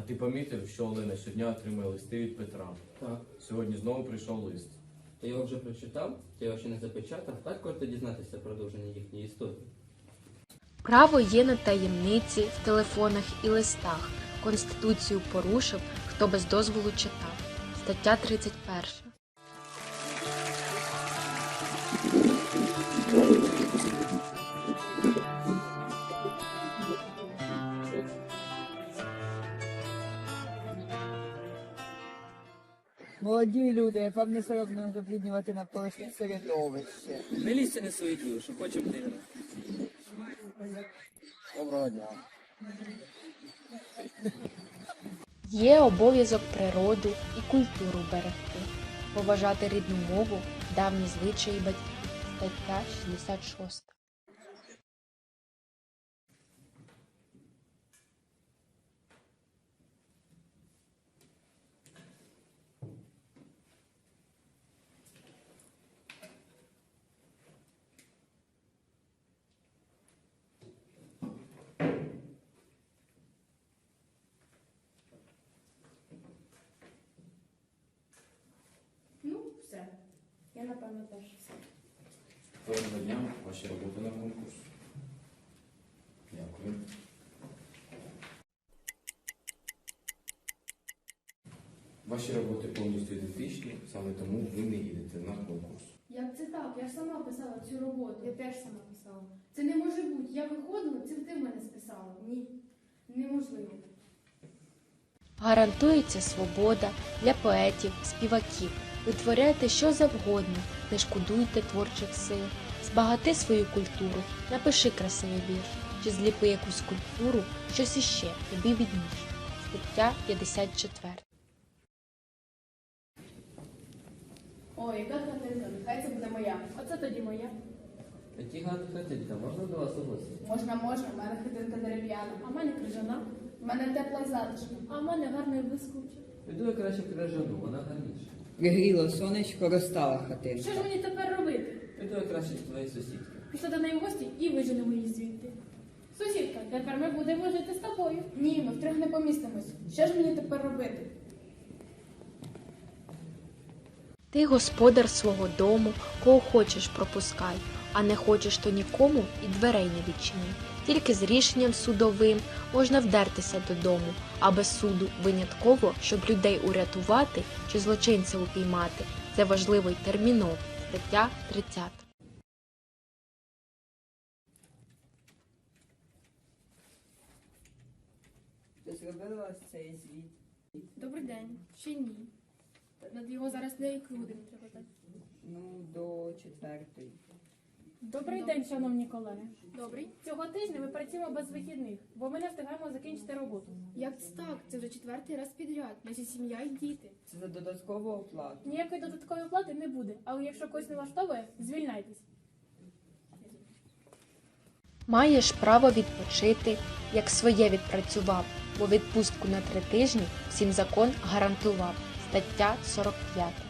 ти помітив, що Олена щодня отримує листи від Петра? Так. Сьогодні знову прийшов лист. Ти його вже прочитав? Ти його ще не запечатав? Так варто дізнатися продовження їхньої історії. Право є на таємниці в телефонах і листах. Конституцію порушив, хто без дозволу читав. Стаття 31. Молоді люди, вам не соромно забруднювати навколишнє середовище. Не лізьте не свої діло, що хочемо ти. Доброго дня. Є обов'язок природу і культуру берегти. Поважати рідну мову, давні звичаї батьків. Стаття 66. Ну, все. Я, напевно, теж все. Доброго дня, ваші роботи на конкурс. Дякую. Ваші роботи повністю ідентичні, саме тому ви не їдете на конкурс. Як це так? Я ж сама писала цю роботу. Я теж сама писала. Це не може бути. Я виходила, це ти в мене списала. Ні. Неможливо. Гарантується свобода для поетів, співаків. Витворяйте що завгодно, не шкодуйте творчих сил. Збагати свою культуру, напиши красивий вірш, чи зліпи якусь скульптуру, щось іще, тобі відніше. Стаття 54. Ой, яка хатинка, нехай це буде моя. Оце тоді моя. Такі гарні хатинка, можна до вас у гості? Можна, можна. У мене хатинка дерев'яна. А в мене крижана. У мене тепла і затишна. А в мене гарна і блискуча. Піду я краще в крижану, вона гарніша. Пригріло сонечко, розтала хатинка. Що ж мені тепер робити? Піду я краще до твоєї сусідки. Пішла до неї в гості і виженемо її звідти. Сусідка, тепер ми будемо жити з тобою. Ні, ми втрьох не помістимось. Що ж мені тепер робити? Ти господар свого дому, кого хочеш пропускай, а не хочеш, то нікому і дверей не відчиняй. Тільки з рішенням судовим можна вдертися додому, а без суду винятково, щоб людей урятувати чи злочинця упіймати. Це важливо й терміново. Стаття 30. Ти зробила ось цей звіт? Добрий день. Ще ні. Над його зараз не крудим треба так. Ну, до 4-ї. Добрий день, шановні колеги. Добрий. Цього тижня ми працюємо без вихідних, бо ми не встигаємо закінчити роботу. Як це так? Це вже 4-й раз підряд. Наші сім'я і діти. Це за додаткову оплату. Ніякої додаткової плати не буде, але якщо когось не влаштовує, звільняйтесь. Маєш право відпочити, як своє відпрацював, бо відпустку на 3 тижні всім закон гарантував. Стаття 45.